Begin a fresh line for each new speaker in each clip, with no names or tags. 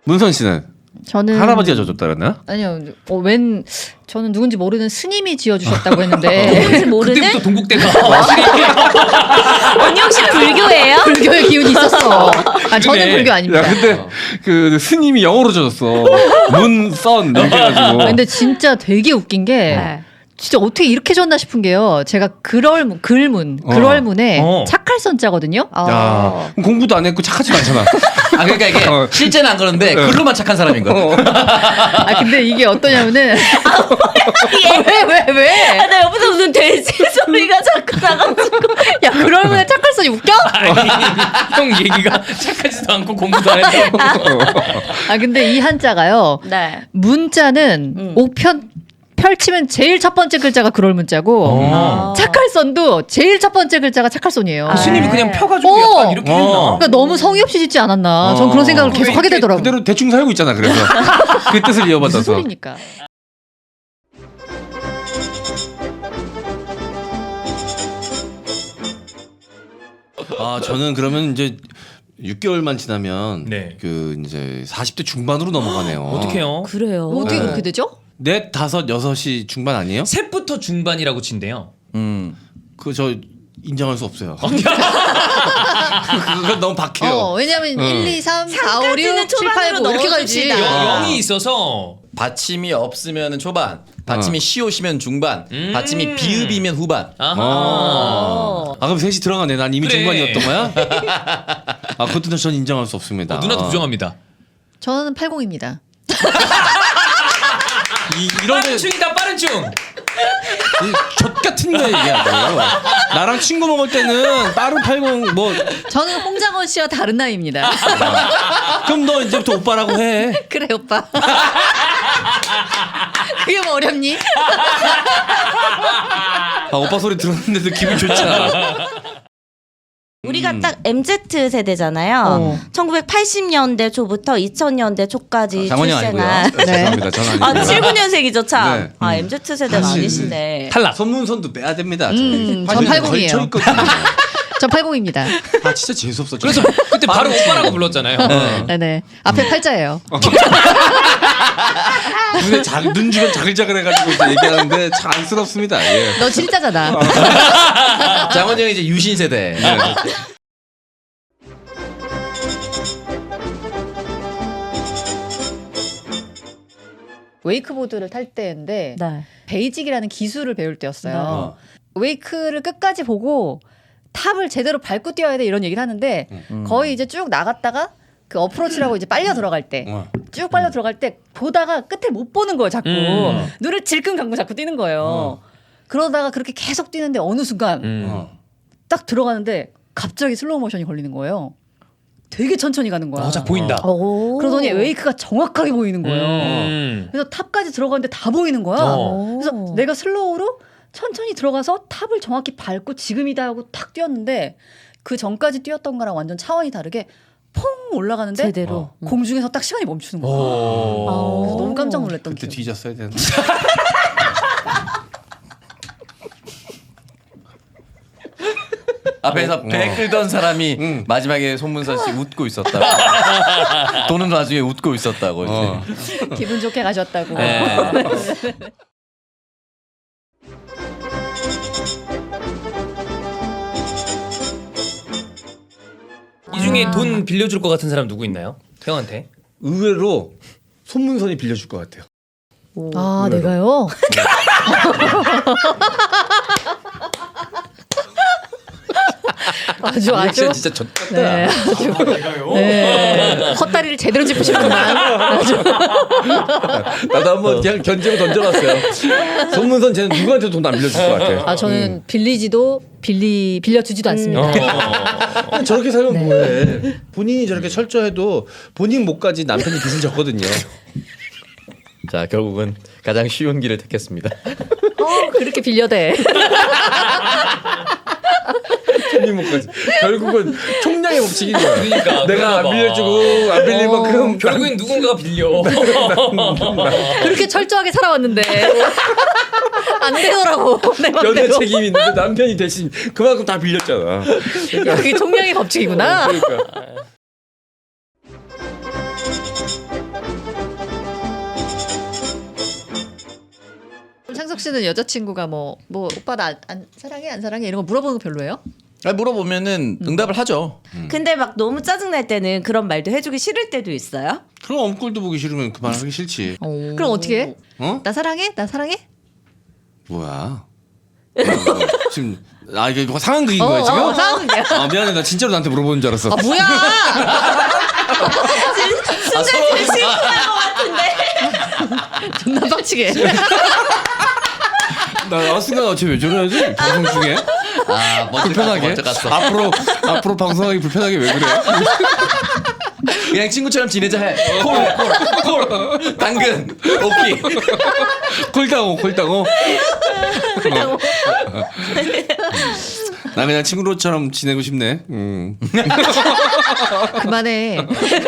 문선 씨는
저는
할아버지가 져줬다 그랬나?
아니요. 저는 누군지 모르는 스님이 지어주셨다고 했는데
누군지 모르는
그때부터 동국대가
원영 씨 불교예요?
불교의 기운이 있었어. 아 저는
그러네.
불교 아닙니다.
야 근데 그 스님이 영어로 져줬어. 문선 이렇게 해가지고.
근데 진짜 되게 웃긴 게
네.
진짜 어떻게 이렇게 졌나 싶은 게요. 제가 글월문에 착할 선자거든요.
야 그럼 공부도 안 했고 착하지도 않잖아.
아 그러니까 이게 실제는 안 그러는데 글로만 착한 사람인 거야.
아 근데 이게 어떠냐면은 왜?
아, 나 옆에서 무슨 돼지 소리가 자꾸 나가지고.
야 글월문에 착할 선이 웃겨?
형 얘기가 착하지도 않고 공부도 안 했다고.
아 근데 이 한자가요.
네.
문자는 옥편 펼치면 제일 첫 번째 글자가 그럴 문자고 착할 선도 제일 첫 번째 글자가 착할 선이에요.
스님이 그냥 펴가지고 약간 이렇게 했나?
그러니까 너무 성의 없이 짓지 않았나. 전 그런 생각을 계속 하게 되더라고요.
그대로 대충 살고 있잖아. 그래서 그 뜻을
무슨
이어받아서.
소리니까.
아 저는 그러면 이제 6개월만 지나면
네.
그 이제 40대 중반으로 넘어가네요.
어떡해요?
그래요.
어떻게
네.
그렇게 되죠?
넷, 다섯, 여섯이 중반 아니에요?
셋부터 중반이라고 친대요.
그 저 인정할 수 없어요. 그건 너무 박해요.
왜냐면 1, 2, 3, 4, 5, 6, 7, 8, 9 이렇게 가야지.
넣어줍시다.
0이 있어서
받침이 없으면 초반, 받침이 시옷이면 중반, 받침이 비읍이면 후반.
아하.
아 그럼 셋이 들어가네. 난 이미
그래.
중반이었던 거야? 아 그것도 전 인정할 수 없습니다.
누나도 부정합니다.
저는 80입니다.
이런
빠른 충이다 빠른 충.
젖 같은 거 얘기하고 나랑 친구 먹을 때는 빠른 80 뭐
저는 홍장원 씨와 다른 나이입니다.
그럼 너 이제부터 오빠라고 해.
그래 오빠. 그게 뭐 어렵니?
아 오빠 소리 들었는데도 기분 좋잖아.
우리가 딱 MZ 세대잖아요. 1980년대 초부터 2000년대 초까지
장원영
출생한.
아니고요.
죄송합니다. 저는
아,
아니고요.
79년생이죠, 참.
네.
아, MZ 세대가
사실-
아니시네.
탈락.
선문선도 빼야 됩니다.
전
사실
80이에요.
걸쳐있거든요.
전 80입니다.
아 진짜 재수없어.
그래서 그때 바로 오빠라고 불렀잖아요.
네네. 앞에 팔자예요.
눈에 눈 주변 자글자글해가지고 이제 얘기하는데 참 안쓰럽습니다. 예.
너 진짜잖아.
장원영이 이제 유신 세대.
웨이크보드를 탈 때인데
네.
베이직이라는 기술을 배울 때였어요. 웨이크를 끝까지 보고 탑을 제대로 밟고 뛰어야 돼 이런 얘기를 하는데 거의 이제 쭉 나갔다가 그 어프로치라고 이제 빨려 들어갈 때 쭉 빨려 들어갈 때 보다가 끝을 못 보는 거예요 자꾸. 눈을 질끈 감고 자꾸 뛰는 거예요. 그러다가 그렇게 계속 뛰는데 어느 순간 딱 들어가는데 갑자기 슬로우 모션이 걸리는 거예요. 되게 천천히 가는 거야.
자 보인다.
오.
그러더니 웨이크가 정확하게 보이는 거예요. 그래서 탑까지 들어가는데 다 보이는 거야. 그래서 내가 슬로우로 천천히 들어가서 탑을 정확히 밟고 지금이다 하고 탁 뛰었는데 그 전까지 뛰었던 거랑 완전 차원이 다르게 퐁 올라가는데
제대로.
공중에서 딱 시간이 멈추는 거야. 그래서 너무 깜짝 놀랐던
그때
기억.
뒤졌어야 되는데.
앞에서 배 끌던 사람이 마지막에 손문선 씨 웃고 있었다고. 돈은 나중에 웃고 있었다고. 이제.
기분 좋게 가셨다고.
이 중에 돈 빌려줄 것 같은 사람 누구 있나요? 형한테?
의외로 손문선이 빌려줄 것 같아요.
아 내가요? 아주 아주
진짜 졌다.
네, 아주 네, 헛다리를 제대로 짚으시구만.
나도 한번 그냥 견제로 던져봤어요. 손문선 쟤는 누구한테 돈 안 빌려줄 것 같아요.
아 저는 빌리지도 빌려주지도 않습니다.
저렇게 살면 뭐해? 본인이 저렇게 철저해도 본인 목까지 남편이 빚을 졌거든요.
자 결국은 가장 쉬운 길을 택했습니다.
그렇게 빌려대.
본인 목까지. 결국은 총량의 법칙인 거야.
그러니까
내가 안 빌려주고 안 빌릴 만큼
결국엔 누군가가 빌려.
그렇게 철저하게 살아왔는데 안 되더라고. 내
연애
맘대로.
책임이 있는데 남편이 대신 그만큼 다 빌렸잖아.
야, 그게 총량의 법칙이구나.
그러니까.
한석 씨는 여자친구가 뭐 오빠 나 안 사랑해 안 사랑해 이런 거 물어보는 거 별로예요?
아니, 물어보면은 응답을 하죠.
근데 막 너무 짜증날 때는 그런 말도 해주기 싫을 때도 있어요?
그럼 엄꿀도 보기 싫으면 그만하기 싫지.
그럼 어떻게 해?
어?
나 사랑해? 나 사랑해?
뭐야? 지금 이게 뭐 상황극인 거야 지금?
상황극이야.
미안해 나 진짜로 나한테 물어보는 줄 알았어.
뭐야?
순간 되게 실수한 것 같은데.
존나 빡치게.
나 순간 어째 왜 저러지? 방송 중에? 불편하게?
먼저 갔어.
앞으로 방송하기 불편하게 왜 그래?
그냥 친구처럼 지내자 해. 콜. 당근. 오케이.
콜당호. 나 그냥 친구로처럼 지내고 싶네.
그만해.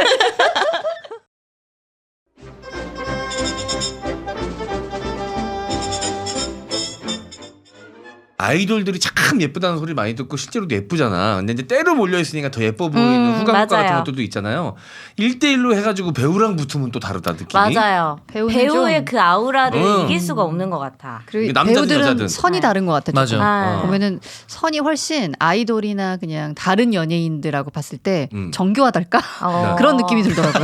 아이돌들이 참 예쁘다는 소리를 많이 듣고 실제로도 예쁘잖아. 근데 이제 때로 몰려있으니까 더 예뻐 보이는 후광효과 같은
맞아요.
것들도 있잖아요. 1대1로 해가지고 배우랑 붙으면 또 다르다 느낌이.
맞아요.
배우는
배우의
좀-
그 아우라를
응.
이길 수가 없는 것 같아.
그리고
남자든
배우들은
여자든.
선이 다른 것 같아.
맞아.
조금.
아.
보면은 선이 훨씬 아이돌이나 그냥 다른 연예인들하고 봤을 때
음.
정교하달까
어.
그런 느낌이 들더라고요.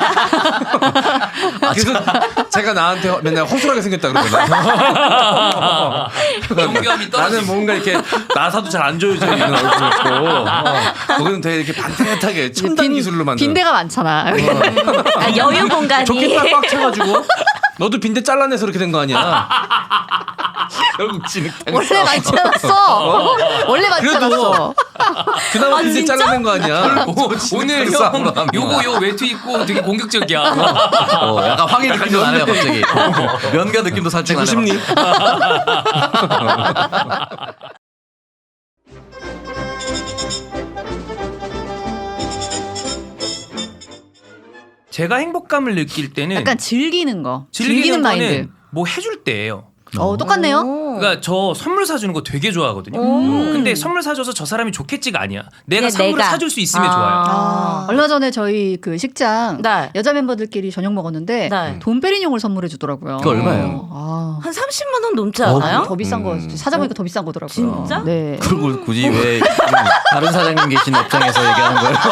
그래서 제가 나한테 맨날 허술하게 생겼다 그러거든.
영감이
나는 뭔가 이렇게 나사도 잘 안 조여져 있는 얼굴이었고 거기는 되게 이렇게 반듯하게 첨단 기술로 만든.
빈대가 많잖아.
아, 여유 공간이.
좋겠다 꽉 차가지고 너도 빈대 잘라내서 이렇게 된 거 아니야? 결국 진흙탕.
원래 많지 않았어. 원래 많지
그래도
않았어.
그나마 빈대
진짜?
잘라낸 거 아니야?
오늘 형 요거 요 외투 입고 되게 공격적이야.
약간 황해 느낌도 나네요 갑자기. 면가 느낌도 살짝
주고
나네요.
싶니?
제가 행복감을 느낄 때는
약간 즐기는 거.
즐기는
즐기는 마인드.
거는 뭐 해줄 때예요.
똑같네요.
그러니까 저 선물 사주는 거 되게 좋아하거든요. 근데 선물 사줘서 저 사람이 좋겠지가 아니야. 내가
그냥
선물을
내가.
사줄 수 있으면
아.
좋아요.
얼마 전에 저희 그 식장
네.
여자 멤버들끼리 저녁 먹었는데
네.
돈페리뇽을 선물해 주더라고요.
그거 얼마예요?
한 30만 원 넘지 않아요?
더 비싼 거 찾아보니까 더 비싼 거더라고요.
진짜?
네.
그리고 굳이 왜 다른 사장님 계신 업장에서 얘기하는 거예요?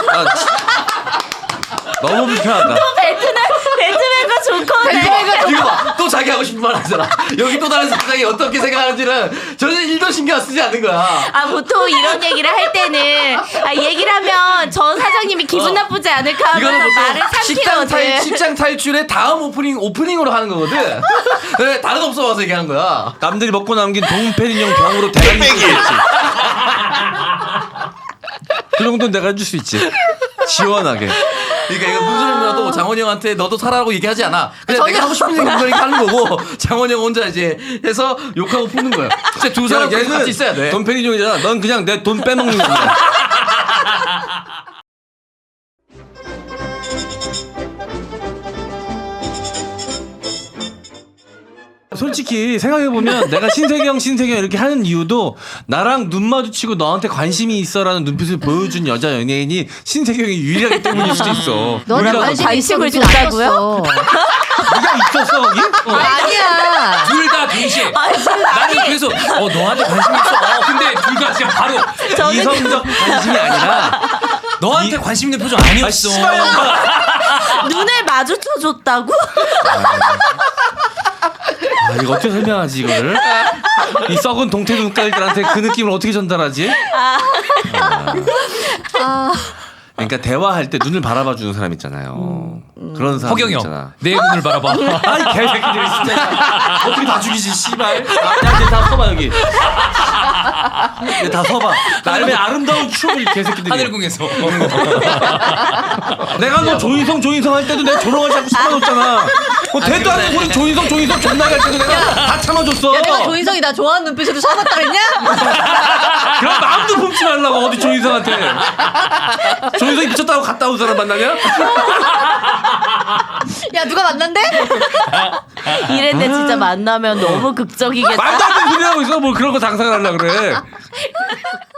너무 불편하다.
배트맨과 조커네.
이거 봐. 또 자기 하고 싶은 말 하잖아. 여기 또 다른 사장이 어떻게 생각하는지는 전혀 일도 신경 쓰지 않는 거야.
아 보통 이런 얘기를 할 때는 얘기를 하면 저 사장님이 기분 나쁘지 않을까
이거는
하면서 말을
보통
삼키거든.
식장 탈출의 다음 오프닝으로 하는 거거든. 네, 다른 업소 와서 얘기하는 거야.
남들이 먹고 남긴 돈페리뇽 병으로 대가리 줄수 있지. 그 정도는 내가 해줄 수 있지. 시원하게.
그러니까 이거 문수림 누나도 장원이 형한테 너도 사라고 얘기하지 않아. 그냥
전혀.
내가 하고 싶은 얘기 이렇게 하는 거고 장원이 형 혼자 이제 해서 욕하고 푸는 거야. 진짜 두 사람 같이 있어야 돼.
돈페리뇽이잖아. 넌 그냥 내 돈 빼먹는 거야. 솔직히 생각해보면 내가 신세경 이렇게 하는 이유도 나랑 눈 마주치고 너한테 관심이 있어라는 눈빛을 보여준 여자 연예인이 신세경이 유일하기 때문일 수도 있어.
너는
유일하다고.
관심을
관심을 줬다고요?
네가 있었어 거기?
아니야.
둘 다 동시에. 나는 그래서 너한테 관심 있어. 근데 둘 다 그냥 바로
이성적 관심이 아니라
너한테 관심 있는 표정 아니었어.
눈을 마주쳐 줬다고?
이거 어떻게 설명하지 이거를? 이 썩은 동태 눈깔들한테 그 느낌을 어떻게 전달하지? 그러니까 대화할 때 눈을 바라봐 주는 사람 있잖아요. 그런 사람
허경영
있잖아.
내 눈을 바라봐.
아이 개새끼들 진짜 어떻게 다 죽이지 씨발. 야쟤다 서봐 여기. 얘 다 서봐. 나름의 아름다운 추억을 개새끼들이.
하늘궁에서.
내가 너 조인성 할 때도 내가 조롱을 자꾸 참아줬잖아. 대도 않는 소리 조인성 존나게 할 때도 내가 다 참아줬어.
야, 내가 조인성이 나 좋아하는 눈빛으로 참았다 그랬냐?
그럼 마음도 품지 말라고 어디 조인성한테. 조인성이 미쳤다고 갔다 온 사람 만나냐?
야, 누가 만난대?
이랬는데 진짜 만나면 너무 극적이겠다.
말도 안 되는 소리 하고 있어. 뭘 그런 거 상상을 하려고 그래.